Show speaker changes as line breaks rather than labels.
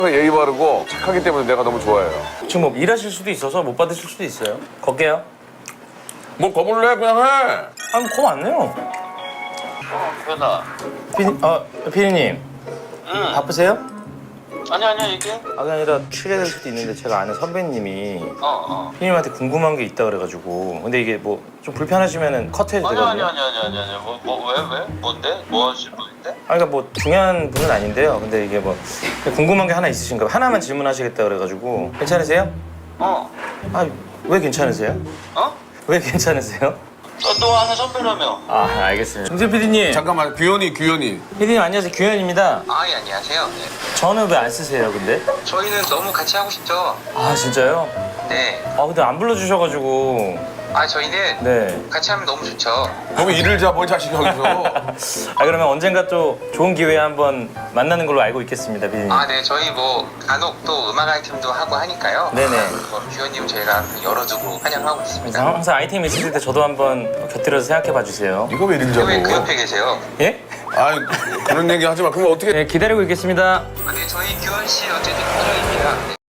예의 바르고 착하기 때문에 내가 너무 좋아해요.
지금 뭐 일하실 수도 있어서 못 받으실 수도 있어요. 걸게요.
뭐 거물래 그냥 해.
아니 거 왔네요.
현아.
피디님.
응.
바쁘세요?
아니야 얘기해.
그게 아니라 취재될 수도 있는데 제가 아는 선배님이 피디님한테 궁금한 게 있다 그래가지고. 근데 이게 뭐 좀 불편하시면은 컷해도 되거든요.
아니야. 왜? 뭔데? 뭐 하실 분인데?
그러니까 뭐 중요한 분은 아닌데요. 근데 이게 뭐 궁금한 게 하나 있으신가 봐요. 하나만 질문하시겠다 그래가지고. 괜찮으세요? 왜 괜찮으세요? 왜 괜찮으세요?
너 아는 선배라며.
알겠습니다. 정세 PD님.
잠깐만 규현이.
PD님 안녕하세요. 규현입니다.
예, 안녕하세요. 네.
저는 왜 안 쓰세요 근데?
저희는 너무 같이 하고 싶죠.
진짜요?
네.
근데 안 불러주셔가지고.
저희는
네.
같이 하면 너무 좋죠.
너무 일을 잡아 자식이 여기서.
그러면 언젠가 또 좋은 기회에 한번 만나는 걸로 알고 있겠습니다, 피디님.
네. 저희 뭐 간혹 또 음악 아이템도 하고 하니까요.
네네.
규현님 저희가 열어두고 환영하고 있습니다.
항상 아이템 있으실 때 저도 한번 곁들여서 생각해 봐주세요.
이거 왜 일을 잡아?
왜 그 옆에 계세요?
예?
그런 얘기 하지 마. 그럼 어떻게?
네, 기다리고 있겠습니다.
네, 저희 규현 씨 어쨌든 표정입니다. 네.